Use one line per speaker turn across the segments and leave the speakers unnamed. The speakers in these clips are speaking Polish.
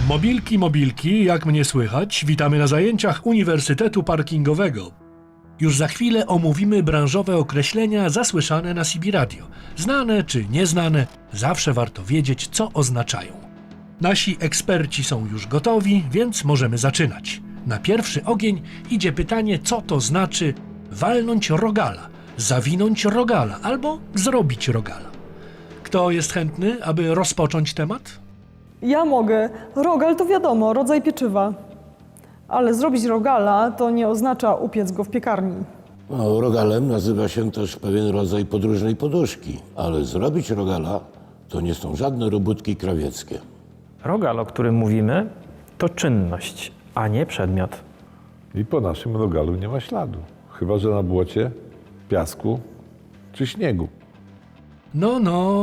Mobilki, mobilki, jak mnie słychać? Witamy na zajęciach Uniwersytetu Parkingowego. Już za chwilę omówimy branżowe określenia zasłyszane na CB Radio. Znane czy nieznane, zawsze warto wiedzieć, co oznaczają. Nasi eksperci są już gotowi, więc możemy zaczynać. Na pierwszy ogień idzie pytanie, co to znaczy walnąć rogala, zawinąć rogala albo zrobić rogala. Kto jest chętny, aby rozpocząć temat?
Ja mogę. Rogal to wiadomo, rodzaj pieczywa. Ale zrobić rogala to nie oznacza upiec go w piekarni.
No, rogalem nazywa się też pewien rodzaj podróżnej poduszki, ale zrobić rogala to nie są żadne robótki krawieckie.
Rogal, o którym mówimy, to czynność, a nie przedmiot.
I po naszym rogalu nie ma śladu. Chyba że na błocie, piasku czy śniegu.
No,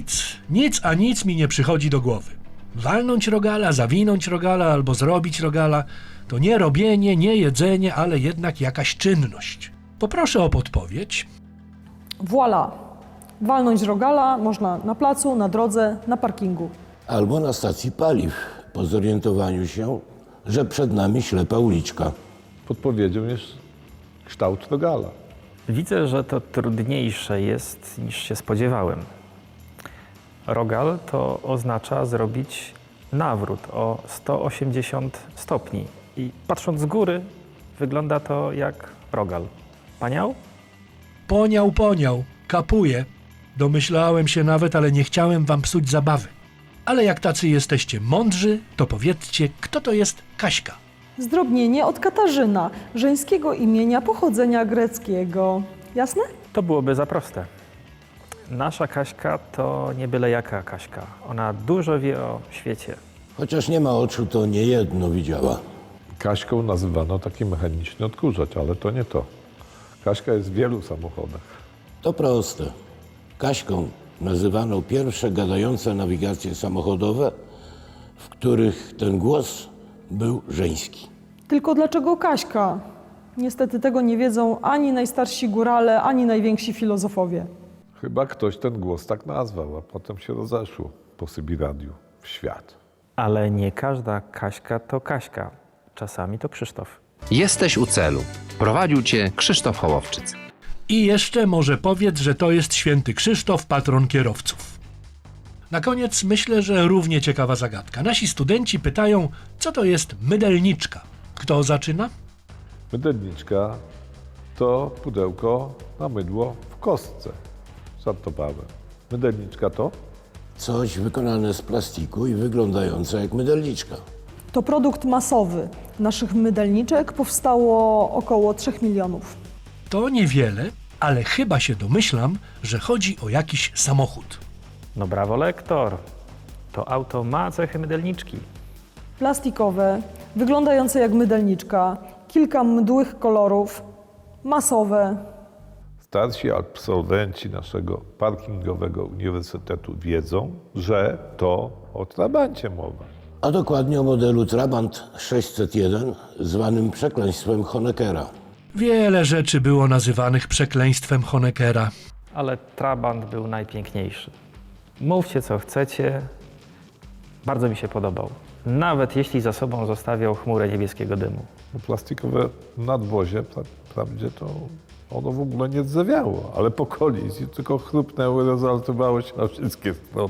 nic mi nie przychodzi do głowy. Walnąć rogala, zawinąć rogala albo zrobić rogala to nie robienie, nie jedzenie, ale jednak jakaś czynność. Poproszę o podpowiedź.
Voilà. Walnąć rogala można na placu, na drodze, na parkingu.
Albo na stacji paliw, po zorientowaniu się, że przed nami ślepa uliczka.
Podpowiedzią jest kształt rogala.
Widzę, że to trudniejsze jest niż się spodziewałem. Rogal to oznacza zrobić nawrót o 180 stopni. I patrząc z góry, wygląda to jak rogal. Paniał?
Poniał, kapuje. Domyślałem się nawet, ale nie chciałem wam psuć zabawy. Ale jak tacy jesteście mądrzy, to powiedzcie, kto to jest Kaśka?
Zdrobnienie od Katarzyna, żeńskiego imienia pochodzenia greckiego. Jasne?
To byłoby za proste. Nasza Kaśka to nie byle jaka Kaśka. Ona dużo wie o świecie.
Chociaż nie ma oczu, to niejedno widziała.
Kaśką nazywano taki mechaniczny odkurzacz, ale to nie to. Kaśka jest w wielu samochodach.
To proste. Kaśką nazywano pierwsze gadające nawigacje samochodowe, w których ten głos był żeński.
Tylko dlaczego Kaśka? Niestety tego nie wiedzą ani najstarsi górale, ani najwięksi filozofowie.
Chyba ktoś ten głos tak nazwał, a potem się rozeszło po CB Radiu w świat.
Ale nie każda Kaśka to Kaśka. Czasami to Krzysztof.
Jesteś u celu. Prowadził cię Krzysztof Hołowczyc.
I jeszcze może powiedz, że to jest święty Krzysztof, patron kierowców. Na koniec myślę, że równie ciekawa zagadka. Nasi studenci pytają, co to jest mydelniczka. Kto zaczyna?
Mydelniczka to pudełko na mydło w kostce. Żartowałem. Mydelniczka to?
Coś wykonane z plastiku i wyglądające jak mydelniczka.
To produkt masowy. Naszych mydelniczek powstało około 3 milionów.
To niewiele, ale chyba się domyślam, że chodzi o jakiś samochód.
No brawo, lektor. To auto ma cechy mydelniczki.
Plastikowe, wyglądające jak mydelniczka, kilka mdłych kolorów, masowe.
Starsi absolwenci naszego parkingowego uniwersytetu wiedzą, że to o Trabancie mowa.
A dokładnie o modelu Trabant 601, zwanym przekleństwem Honeckera.
Wiele rzeczy było nazywanych przekleństwem Honeckera.
Ale Trabant był najpiękniejszy. Mówcie co chcecie. Bardzo mi się podobał. Nawet jeśli za sobą zostawiał chmurę niebieskiego dymu.
Plastikowe nadwozie, wprawdzie to ono w ogóle nie rdzewiało, ale po kolizji tylko chrupnęło i rozaltowało się na wszystkie strony.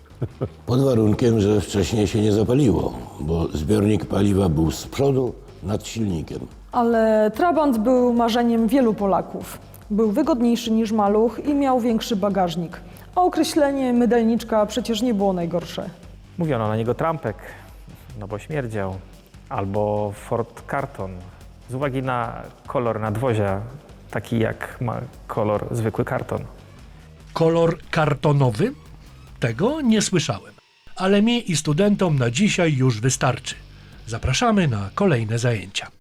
Pod warunkiem, że wcześniej się nie zapaliło, bo zbiornik paliwa był z przodu nad silnikiem.
Ale Trabant był marzeniem wielu Polaków. Był wygodniejszy niż maluch i miał większy bagażnik. A określenie mydelniczka przecież nie było najgorsze.
Mówiono na niego trampek, no bo śmierdział. Albo Ford Karton, z uwagi na kolor nadwozia, taki jak ma kolor zwykły karton.
Kolor kartonowy? Tego nie słyszałem. Ale mi i studentom na dzisiaj już wystarczy. Zapraszamy na kolejne zajęcia.